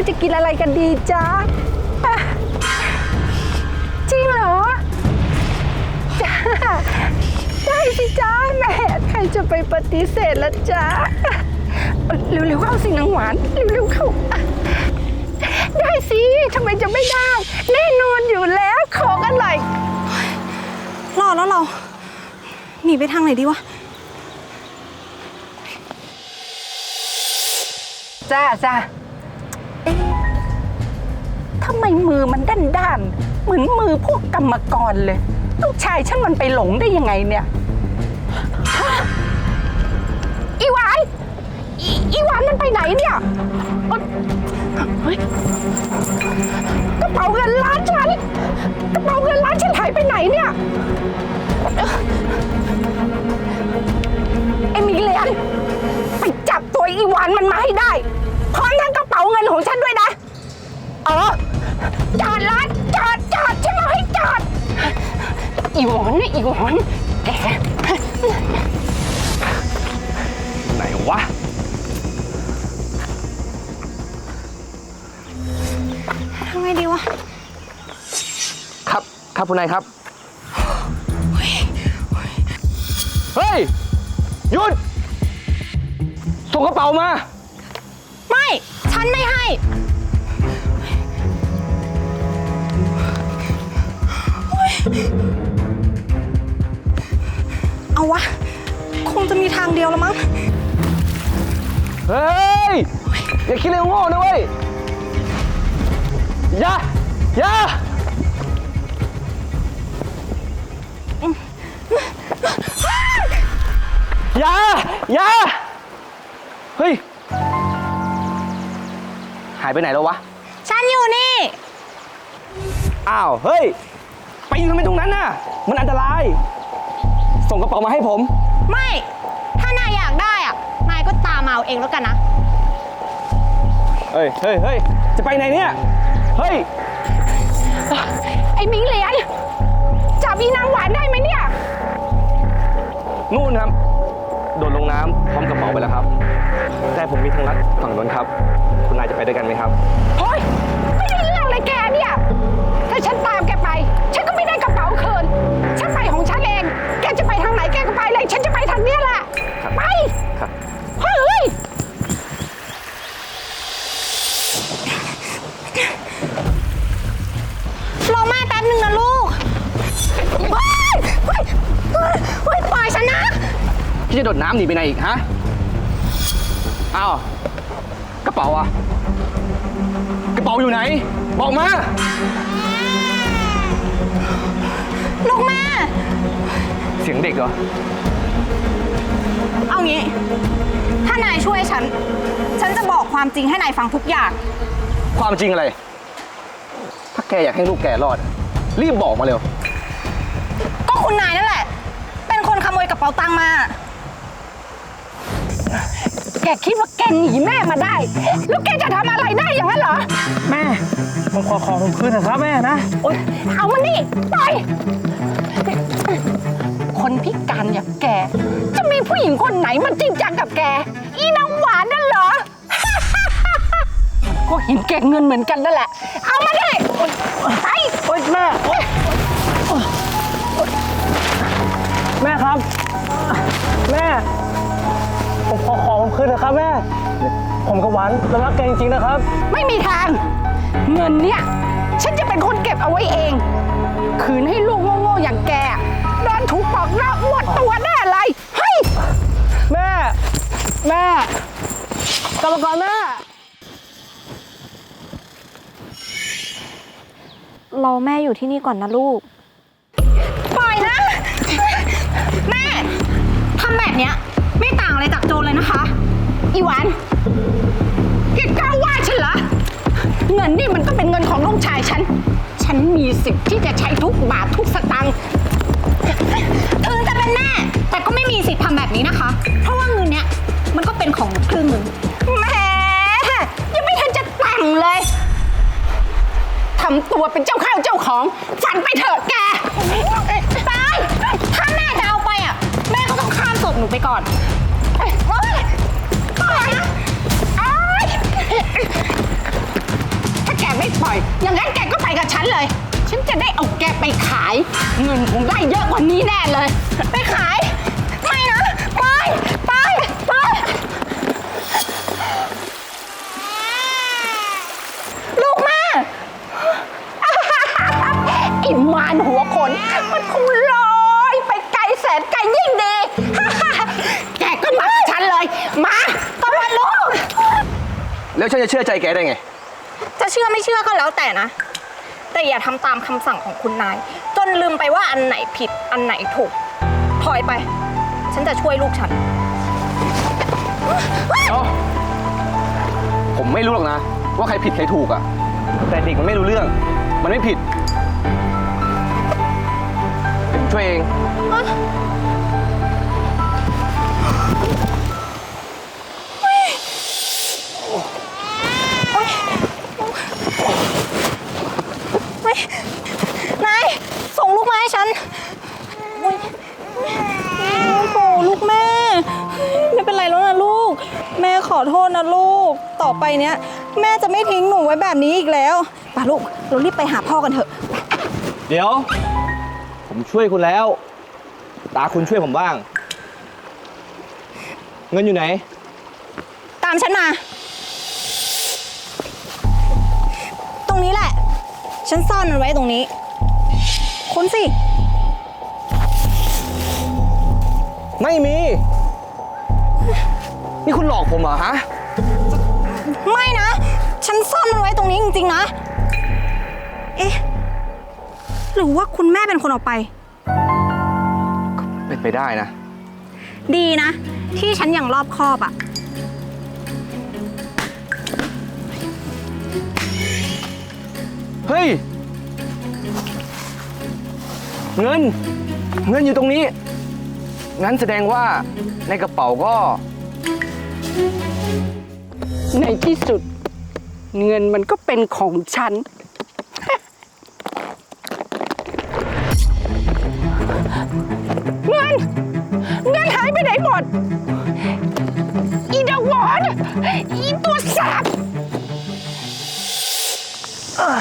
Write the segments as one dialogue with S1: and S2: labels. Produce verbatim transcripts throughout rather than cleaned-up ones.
S1: จะกินอะไรกันดีจ๊ะจริงเหรอจ้าได้สิจ้าแม่ใครจะไปปฏิเสธละจ้าเร็วๆเข้าสินางหวานเร็วๆเข้าได้สิทำไมจะไม่ได้แน่นอนอยู่แล้วของอร่อย
S2: รอแล้วเราหนีไปทางไหนดีวะ
S1: จ้าจ้าทำไมมือมันด้านด้านเหมือนมือพวกกรรมกรเลยลูกชายฉันมันไปหลงได้ยังไงเนี่ยอีหวานอีอีหวานมันไปไหนเนี่ยเฮ้ยกระเป๋าเงินล้านฉันกระเป๋าเงินล้านฉันหายไปไหนเนี่ยเอมิเลียนไปจับตัวอีหวานมันมาให้ได้พร้อมทั้งกระเป๋าเงินของฉันด้วยนะเออจอดร้านจอดจอดฉันบอกให้จอดอีหวานนี่อีหวานแก
S3: ไหนวะ
S2: ทำไงดีวะ
S3: ครับครับคุณนายครับเฮ้ยหยุดส่งกระเป๋ามา
S2: ไม่ฉันไม่ให้เอาวะคงจะมีทางเดียวแล้วมั้ง
S3: เฮ้ยอย่าคิดเรื่องโง่นะเว้ยอย่าอย่าอย่าอย่าเฮ้ยหายไปไหนแล้ววะ
S2: ฉันอยู่นี่
S3: อ้าวเฮ้ยไปยืนทำไมตรงนั้นน่ะมันอันตรายส่งกระเป๋ามาให้ผม
S2: ไม่ถ้านายอยากได้อ่ะนายก็ตามมาเอาเองแล้วกันนะ
S3: เฮ้ยเฮ้ยเฮ้ยจะไปไหนเนี่ยเฮ้ย
S1: ไอ้มิงเหลียนจับอีนางหวานได้ไหมเนี่ย
S3: นู่นครับโดดลงน้ำพร้อมกระเป๋าไปแล้วครับแต่ผมมีทางลัดฝั่งนู้นครับคุณนายจะไปด้วยกันไหมครับ
S1: เฮ้ยไม่ได้เรื่องเลยแกเนี่ยถ้าฉันตามแกไปฉันก็ไม่ได้กระเป๋าคืนฉันไปของฉันเองแกจะไปทางไหนแกก็ไปเลยฉันจะไปทางนี้แหละไป
S3: ครับ
S1: เฮ้ย
S2: รอแม่แป๊บนึงนะลูกเฮ้ยเฮ้ยเฮ้ยปล่อยฉันนะ
S3: พี่จะโดดน้ำหนีไปไหนอีกฮะอ้าวกระเป๋าอะกระเป๋าอยู่ไหนบอกมา
S2: ลูกแม่
S3: เสียงเด็กเหรอ
S2: เอางี้ถ้านายช่วยฉันฉันจะบอกความจริงให้นายฟังทุกอย่าง
S3: ความจริงอะไรถ้าแกอยากให้ลูกแกรอดรีบบอกมาเร็ว
S2: ก็คุณนายนั่นแหละเป็นคนขโมยกระเป๋าตังค์มา
S1: แกคิดว่าแกหนีแม่มาได้แล้วแกจะทำอะไรได้อย่างนั้นเหรอ
S3: แม่ผมขอของผมคืนนะครับแม่นะ
S1: โอ๊ยเอามานี่ปล่อยคนพิการอย่างแกจะมีผู้หญิงคนไหนมันจริงจังกับแกอีนางหวานนั่นเหรอก็เห็นแกเงินเหมือนกันนั่นแหละเอามาดิไป
S3: โอ๊ยแม่แม่ครับแม่ผมขอของผมคืนนะครับแม่ผมกับหวานเรารักแกจริงๆนะครับ
S1: ไม่มีทางเงินเนี่ยฉันจะเป็นคนเก็บเอาไว้เองคืนให้ลูกโง่ๆอย่างแกโดนถูกปอกหน้าหมดตัวแน่เลยเฮ้ย
S3: แม่แม่กลับมาก่อนแม่
S2: รอแม่อยู่ที่นี่ก่อนนะลูกปล่อยนะแม่ทำแบบเนี้ยไม่ต่างอะไรจากโจรเลยนะคะ
S1: อีหวานแกกล้าว่าฉันเหรอเงินนี่มันก็เป็นเงินของลูกชายฉันฉันมีสิทธิ์ที่จะใช้ทุกบาททุกสตางค์
S2: ถึงจะเป็นแม่แต่ก็ไม่มีสิทธิ์ทำแบบนี้นะคะเพราะว่าเงินเนี้ยมันก็เป็นของครึ่งหนึ่ง
S1: แหมยังไม่ทันจะแต่งเลยทำตัวเป็นเจ้าข้าวเจ้าของฝันไปเถอะแก
S2: ไปถ้าแม่จะเอาไปอ่ะแม่ก็ต้องข้ามศพหนูไปก่อนปล่อยนะเลย ไปขาย ไม่นะ ไป ไป ไป ลูกแม่
S1: อิมานหัวคน มันคงลอยไปไกลแสนไกลยิ่งดี แกก็มากับฉันเลย มาตะวันลูก
S4: แล้วฉันจะเชื่อใจแกได้ไง
S2: จะเชื่อไม่เชื่อก็แล้วแต่นะ แต่อย่าทำตามคำสั่งของคุณนาย จนลืมไปว่าอันไหนผิดอันไหนถูก ถอยไป ฉันจะช่วยลูกฉัน
S4: เอ้าผมไม่รู้หรอกนะ ว่าใครผิดใครถูกอะแต่เด็กมันไม่รู้เรื่อง มันไม่ผิดเดี๋ยวผมช่วยเอง
S2: ไม่นาย ส่งลูกมาให้ฉันโอ๊ยโอ้โหลูกแม่ ไม่เป็นไรแล้วนะลูก แม่ขอโทษนะลูก ต่อไปเนี้ย แม่จะไม่ทิ้งหนูไว้แบบนี้อีกแล้วป่ะลูก เรารีบไปหาพ่อกันเถอะ
S4: เดี๋ยว ผมช่วยคุณแล้ว ตาคุณช่วยผมบ้าง เงินอยู่ไหน
S2: ตามฉันมา ตรงนี้แหละ ฉันซ่อนมันไว้ตรงนี้คุณสิ
S4: ไม่มี นี่คุณหลอกผมเหรอฮะ
S2: ไม่นะ ฉันซ่อนมันไว้ตรงนี้จริงๆนะ เอ๊ะ หรือว่าคุณแม่เป็นคนเอาไป
S4: เป็นไปได้นะ
S2: ดีนะ ที่ฉันยังรอบคอบอะ
S4: เฮ้ย เงิน เงินอยู่ตรงนี้ งั้นแสดงว่าในกระเป๋าก็
S1: ในที่สุด เงินมันก็เป็นของฉัน เงิน เงินหายไปไหนหมด อีดาวอนอีตัวสาบเอ่อ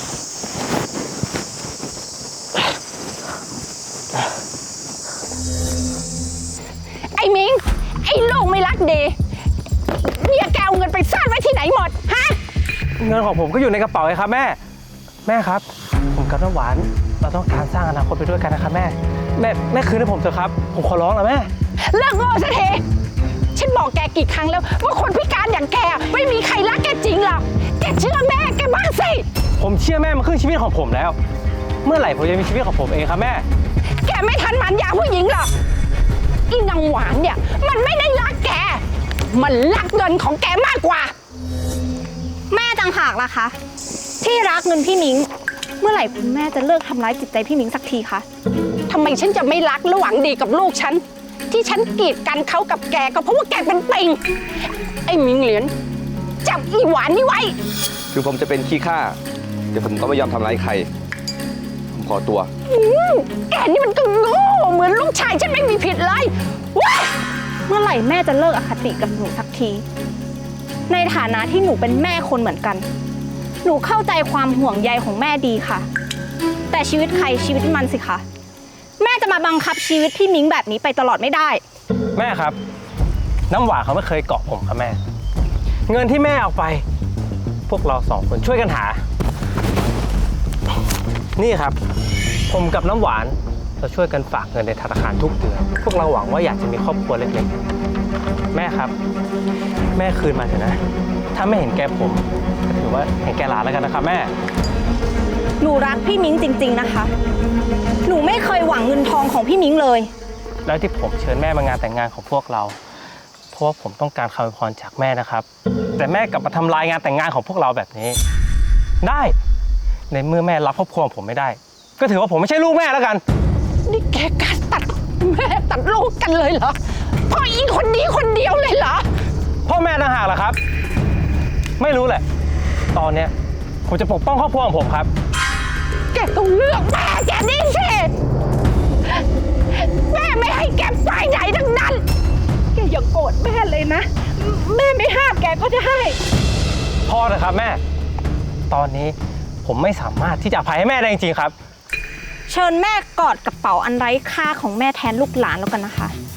S1: ไอ้มิง ไอ้ลูกไม่รักดีเนี่ยแกเอาเงินไปซ่อนไว้ที่ไหนหมด ฮะ
S3: เงินของผมก็อยู่ในกระเป๋าไงครับแม่ แม่ครับ ผมกับน้ำหวาน เราต้องการสร้างอนาคตไปด้วยกันนะครับแม่ แม่แม่คืนให้ผมเถอะครับ ผมขอร้องนะแม่
S1: เลิกโง่สักทีฉันบอกแกกี่ครั้งแล้วว่าคนพิการอย่างแกไม่มีใครรักแกจริงหรอก แกเชื่อแม่แกบ้างสิ
S3: ผมเชื่อแม่มาครึ่งชีวิตของผมแล้ว เมื่อไหร่ผมจะมีชีวิตของผมเองครับแม่
S1: แกไม่ทันหมันยาผู้หญิงหรอกอีนางหวานเนี่ยมันไม่ได้รักแก มันรักเงินของแกมากกว่า
S2: แม่ต่างหากล่ะคะ ที่รักเงินพี่มิง เมื่อไหร่คุณแม่จะเลิกทำร้ายจิตใจพี่มิงสักทีคะ
S1: ทำไมฉันจะไม่รักและหวังดีกับลูกฉัน ที่ฉันกีดกันเขากับแกก็เพราะว่าแกเป็นปิง ไอ้มิงเหรียญจับอีหวานนี่ไว้
S4: ถึงผมจะเป็นขี้ข้าเดี๋ยวผมก็ไม่ยอมทำร้ายใคร ผมขอตัว
S1: อืมแกนี่มันก็โง่เหมือนลูกชายฉันไม่มีผิดเลยว้า
S2: เมื่อไหร่แม่จะเลิกอคติกับหนูสักที ในฐานะที่หนูเป็นแม่คนเหมือนกัน หนูเข้าใจความห่วงใยของแม่ดีค่ะ แต่ชีวิตใครชีวิตมันสิคะ แม่จะมาบังคับชีวิตพี่มิงแบบนี้ไปตลอดไม่ได้
S3: แม่ครับ น้ำหวานเขาไม่เคยเกาะผมครับแม่ เงินที่แม่เอาไป พวกเราสองคนช่วยกันหา นี่ครับ ผมกับน้ำหวานเราช่วยกันฝากเงินในธนาคารทุกเดือน พวกเราหวังว่าอยากจะมีครอบครัวเล็กๆ แม่ครับ แม่คืนมาเถอะนะ ถ้าไม่เห็นแกผมก็ถือว่าเห็นแกหลานแล้วกันนะครับแม่
S2: หนูรักพี่มิงจริง ๆนะคะ หนูไม่เคยหวังเงินทองของพี่มิงเลย
S3: แล้วที่ผมเชิญแม่มางานแต่งงานของพวกเรา เพราะว่าผมต้องการคำอวยพรจากแม่นะครับ แต่แม่กลับมาทำลายงานแต่งงานของพวกเราแบบนี้ ได้ ในเมื่อแม่รับครอบครัวผมไม่ได้ ก็ถือว่าผมไม่ใช่ลูกแม่แล้วกัน
S1: นี่แกการตัดแม่ตัดลูกกันเลยเหรอเพ่ออีคนนี้คนเดียวเลยเหรอ
S3: พ่อแม่ต่างหากล่ะครับ ไม่รู้แหละ ตอนเนี้ยผมจะปกป้องครอบครัวของผมครับ
S1: แกต้องเลือกแม่แกนี่สิแม่ไม่ให้แกไปไหนทั้งนั้น แกอย่าโกรธแม่เลยนะ แม่ไม่ห้ามแกก็ได้
S3: พอเถอะครับแม่ ตอนนี้ผมไม่สามารถที่จะอภัยให้แม่ได้จริงๆครับ
S2: เชิญแม่กอดกระเป๋าอันไร้ค่าของแม่แทนลูกหลานแล้วกันนะคะ